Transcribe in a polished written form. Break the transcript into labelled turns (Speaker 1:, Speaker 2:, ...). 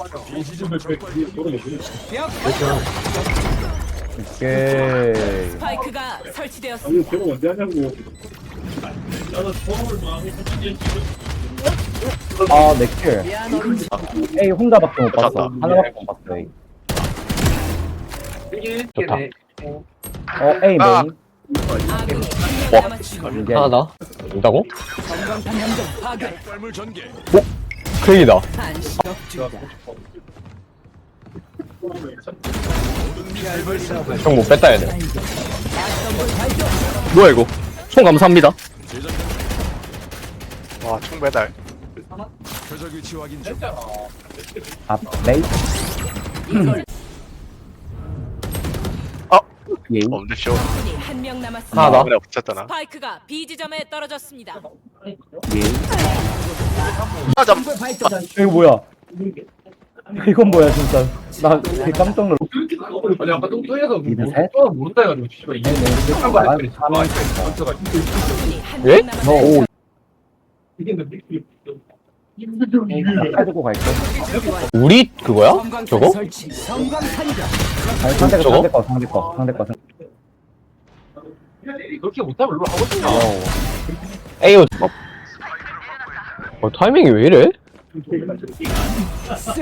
Speaker 1: 오케이.
Speaker 2: 스파이크가 설치되었습니다.
Speaker 3: 걔가 언제 하냐고.
Speaker 1: 아, 내 킬. A 혼자밖에 못 봤어. 하나밖에 못 봤어, A.
Speaker 4: 좋다.
Speaker 1: A
Speaker 5: 아.
Speaker 1: 메인.
Speaker 2: 아군이 한명 남았습니다.
Speaker 1: 이게
Speaker 4: 하나 더? 온다고?
Speaker 2: 전광판 함정 파괴.
Speaker 4: 크랙이다.
Speaker 2: 한시 격주다.
Speaker 4: 형 못 뺐다, 얘네.
Speaker 2: 약점을 발견.
Speaker 4: 뭐야, 이거? 총 감사합니다.
Speaker 5: 와, 총 배달.
Speaker 1: 아, 메인.
Speaker 5: 어?
Speaker 1: A.
Speaker 5: 없는데, 쇼.
Speaker 2: 아군이 한명 남았습니다.
Speaker 4: 하나 더.
Speaker 5: 그냥 붙였잖아.
Speaker 2: 스파이크가 B 지점에 떨어졌습니다.
Speaker 1: A.
Speaker 5: 아, 잠.
Speaker 1: 이거 뭐야? 이건 뭐야, 진짜. 나 되게 깜짝 놀랐어.
Speaker 3: 아니 아까 똥똥해서
Speaker 1: 미드 셋?
Speaker 3: 모른다 해가지고 씨발 이게 한거
Speaker 1: 아,
Speaker 3: 아니야?
Speaker 2: 아군이
Speaker 1: 너
Speaker 2: 한명 남았습니다.
Speaker 1: 오.
Speaker 3: 이겼는데
Speaker 1: 해주고 갈게.
Speaker 4: 우리 그거야? 저거?
Speaker 2: 설치. 성광탄이다.
Speaker 1: 아니, 상대 거,
Speaker 4: 저거?
Speaker 1: 상대 거, 상대 거, 상대 거.
Speaker 3: 그렇게 못하면 롤 하고 싶냐?
Speaker 4: 에이요. 타이밍이 왜 이래?